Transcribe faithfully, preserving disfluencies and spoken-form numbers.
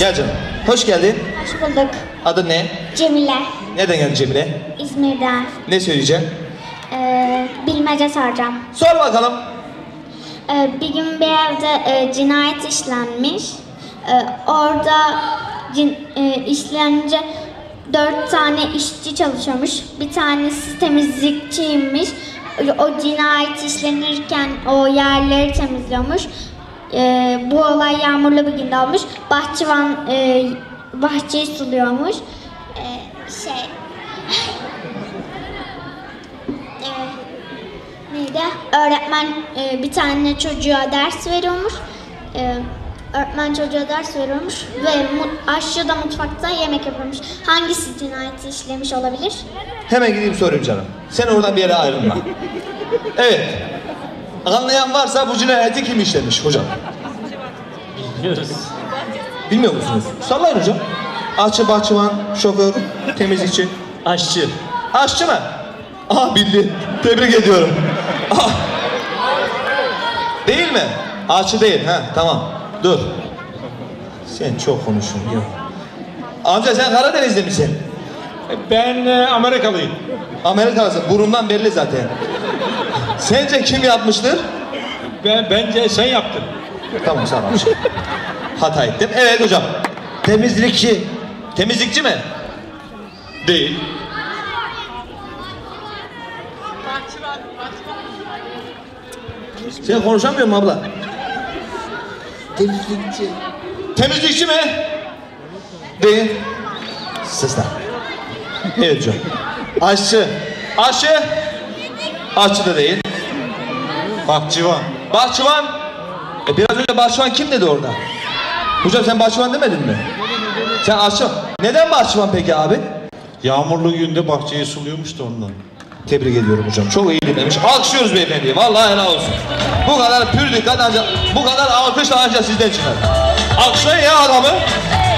Gel canım. Hoş geldin. Hoş bulduk. Adın ne? Cemile. Nereden geldin Cemile? İzmir'den. Ne söyleyeceksin? Ee, bilmece soracağım. Sor bakalım. Ee, bir gün bir evde e, cinayet işlenmiş. Ee, orada cin, e, işlenince dört tane işçi çalışıyormuş. Bir tanesi temizlikçiymiş. O cinayet işlenirken o yerleri temizliyormuş. Ee, bu olay yağmurlu bir günde olmuş. Bahçıvan e, bahçeyi suluyormuş. Ee, şey... ee, neydi? Öğretmen e, bir tane çocuğa ders veriyormuş. Ee, öğretmen çocuğa ders veriyormuş ve mu- aşçı da mutfakta yemek yapıyormuş. Hangisi cinayeti işlemiş olabilir? Hemen gideyim sorayım canım. Sen oradan bir yere ayrılma. Evet. Anlayan varsa bu cinayeti kim işlemiş hocam? Bilmiyoruz. Bilmiyor musunuz? Sallayın hocam. Aşçı, bahçıvan, şoför, temizlikçi. Aşçı. Aşçı mı? Aha bildi. Tebrik ediyorum. Ah. Değil mi? Aşçı değil. Ha tamam. Dur. Sen çok konuşuyorsun ya. Amca sen Karadenizli misin? Ben e, Amerikalıyım. Amerikalısın. Burundan belli zaten. Sence kim yapmıştır? Ben, bence sen yaptın. Tamam sağ ol. Hata ettim. Evet hocam. Temizlikçi. Temizlikçi mi? Değil. Sen konuşamıyor musun abla? Temizlikçi. Temizlikçi mi? Değil. Sus lan. Evet hocam. Aşçı. Aşçı. Aşçı da değil. Bahçıvan. Bahçıvan. E biraz önce bahçıvan kim dedi orada? Hocam sen bahçıvan demedin mi? Sen aşçı. Neden bahçıvan peki abi? Yağmurlu günde bahçeyi suluyormuş da ondan. Tebrik ediyorum hocam. Çok iyi dinlemiş. Alkışlıyoruz beyefendiye. Vallahi helal olsun. Bu kadar pür dikkat ancak, bu kadar alkış da ancak sizden çıkar. Alkışlayın ya adamı.